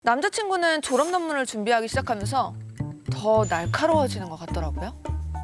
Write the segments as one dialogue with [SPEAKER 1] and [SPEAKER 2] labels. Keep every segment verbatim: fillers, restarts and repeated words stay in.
[SPEAKER 1] 남자친구는 졸업 논문을 준비하기 시작하면서 더 날카로워지는 것 같더라고요.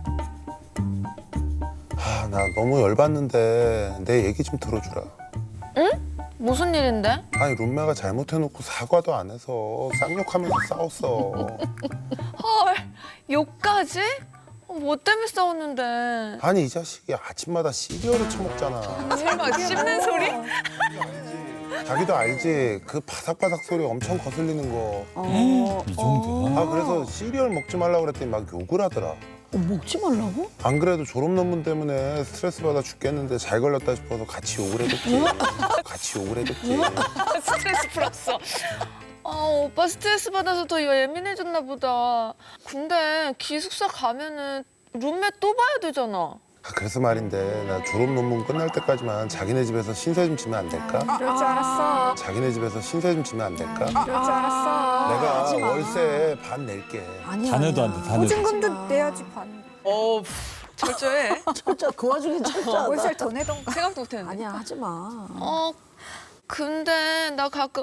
[SPEAKER 2] 아, 나 너무 열받는데 내 얘기 좀 들어주라.
[SPEAKER 1] 응? 무슨 일인데?
[SPEAKER 2] 아니 룸메가 잘못해놓고 사과도 안 해서 쌍욕하면서 싸웠어.
[SPEAKER 1] 헐, 욕까지? 어, 뭐 때문에 싸웠는데?
[SPEAKER 2] 아니 이 자식이 아침마다 시리얼을 처먹잖아.
[SPEAKER 1] 설마 씹는 소리?
[SPEAKER 2] 자기도 알지? 그 바삭바삭 소리 엄청 거슬리는 거.
[SPEAKER 3] 어,
[SPEAKER 4] 이 정도야?
[SPEAKER 2] 아 그래서 시리얼 먹지 말라고 그랬더니 막 욕을 하더라.
[SPEAKER 3] 어, 먹지 말라고?
[SPEAKER 2] 안 그래도 졸업 논문 때문에 스트레스 받아 죽겠는데 잘 걸렸다 싶어서 같이 욕을 해줬지. 같이 욕을 해줬지.
[SPEAKER 1] 스트레스 풀었어. 아, 오빠 스트레스 받아서 더 예민해졌나 보다. 근데 기숙사 가면은 룸메 또 봐야 되잖아.
[SPEAKER 2] 아, 그래서 말인데 나 졸업 논문 끝날 때까지만 자기네 집에서 신세 좀 지면 안 될까?
[SPEAKER 5] 그럴 줄 알았어.
[SPEAKER 2] 자기네 집에서 신세 좀 지면 안 될까?
[SPEAKER 5] 그럴 줄 알았어.
[SPEAKER 2] 내가
[SPEAKER 3] 하지 마.
[SPEAKER 2] 월세 반 낼게.
[SPEAKER 3] 아니야.
[SPEAKER 4] 자녀도 안 돼, 자녀도.
[SPEAKER 5] 보증금도 내야지 반.
[SPEAKER 1] 어, 철저해.
[SPEAKER 3] 철저 그 와중에 철저하다.
[SPEAKER 5] 월세를 더 내던가.
[SPEAKER 1] 생각도 못했는데.
[SPEAKER 3] 아니야 하지 마.
[SPEAKER 1] 어, 근데 나 가끔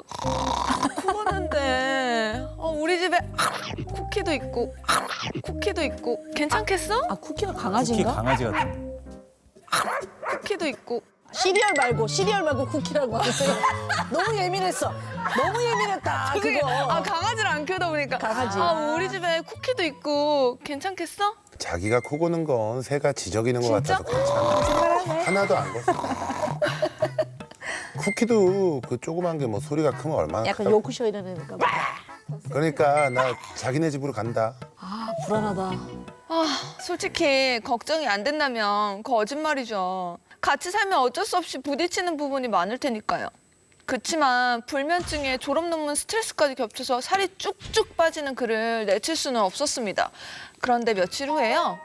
[SPEAKER 1] 코고는데 어, 우리 집에 쿠키도 있고 쿠키도 있고 괜찮겠어?
[SPEAKER 3] 아 쿠키가
[SPEAKER 4] 특히
[SPEAKER 3] 강아지인가?
[SPEAKER 4] 강아지 같은.
[SPEAKER 1] 쿠키도 있고.
[SPEAKER 3] 시리얼 말고 시리얼 말고 쿠키라고 하세요. 너무 예민했어. 너무 예민했다.
[SPEAKER 1] 그게
[SPEAKER 3] 그거.
[SPEAKER 1] 아 강아지를 안 키우다 보니까
[SPEAKER 3] 강아지.
[SPEAKER 1] 아 우리 집에 쿠키도 있고 괜찮겠어?
[SPEAKER 2] 자기가 코 고는 건 새가 지저귀는 것
[SPEAKER 1] 진짜?
[SPEAKER 2] 같아서 괜찮아. 하나도 안 걷어. 쿠키도 그 조그만 게 뭐 소리가 크면 얼마나
[SPEAKER 3] 약간
[SPEAKER 2] 크다고.
[SPEAKER 3] 요크셔 이러니까.
[SPEAKER 2] 그러니까 나 자기네 집으로 간다.
[SPEAKER 3] 아 불안하다.
[SPEAKER 1] 아 솔직히 걱정이 안 된다면 거짓말이죠. 같이 살면 어쩔 수 없이 부딪히는 부분이 많을 테니까요. 그치만 불면증에 졸업 논문 스트레스까지 겹쳐서 살이 쭉쭉 빠지는 그를 내칠 수는 없었습니다. 그런데 며칠 후에요.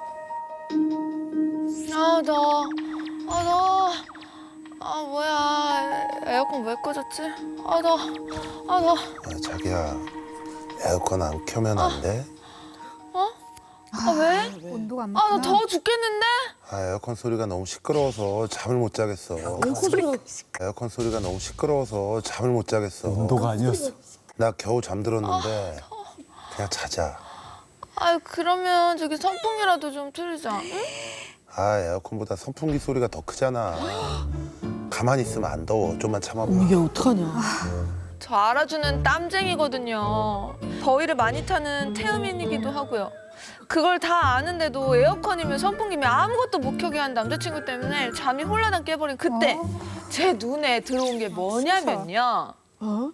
[SPEAKER 1] 아, 나, 아, 나, 아, 뭐야. 에어컨 왜 꺼졌지? 아, 나, 아, 나,
[SPEAKER 2] 아, 자기야 에어컨 안 켜면 안 돼?
[SPEAKER 1] 아, 왜?
[SPEAKER 5] 온도가 안
[SPEAKER 1] 아,
[SPEAKER 5] 맞구나.
[SPEAKER 1] 나 더워 죽겠는데?
[SPEAKER 2] 아 에어컨 소리가 너무 시끄러워서 잠을 못 자겠어.
[SPEAKER 3] 소리가
[SPEAKER 2] 에어컨 소리가 너무 시끄러워서 잠을 못 자겠어.
[SPEAKER 4] 온도가 아니었어.
[SPEAKER 2] 나 겨우 잠들었는데 그냥 자자.
[SPEAKER 1] 아, 그러면 저기 선풍기라도 좀 틀자. 응?
[SPEAKER 2] 아 에어컨보다 선풍기 소리가 더 크잖아. 가만히 있으면 안 더워. 좀만 참아봐.
[SPEAKER 3] 이게 어떡하냐.
[SPEAKER 1] 저 알아주는 땀쟁이거든요. 더위를 많이 타는 태음인이기도 하고요. 그걸 다 아는데도 에어컨이면 선풍기면 아무것도 못 켜게 한 남자친구 때문에 잠이 홀라당 깨버린 그때 제 눈에 들어온 게 뭐냐면요.
[SPEAKER 3] 어?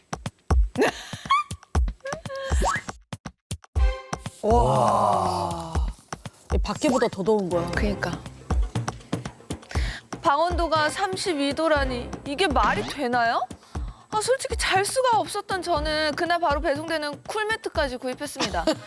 [SPEAKER 3] 와. 얘 밖에보다 더 더운 거야.
[SPEAKER 1] 그러니까. 방온도가 삼십이 도라니 이게 말이 되나요? 아, 솔직히 잘 수가 없었던 저는 그날 바로 배송되는 쿨매트까지 구입했습니다.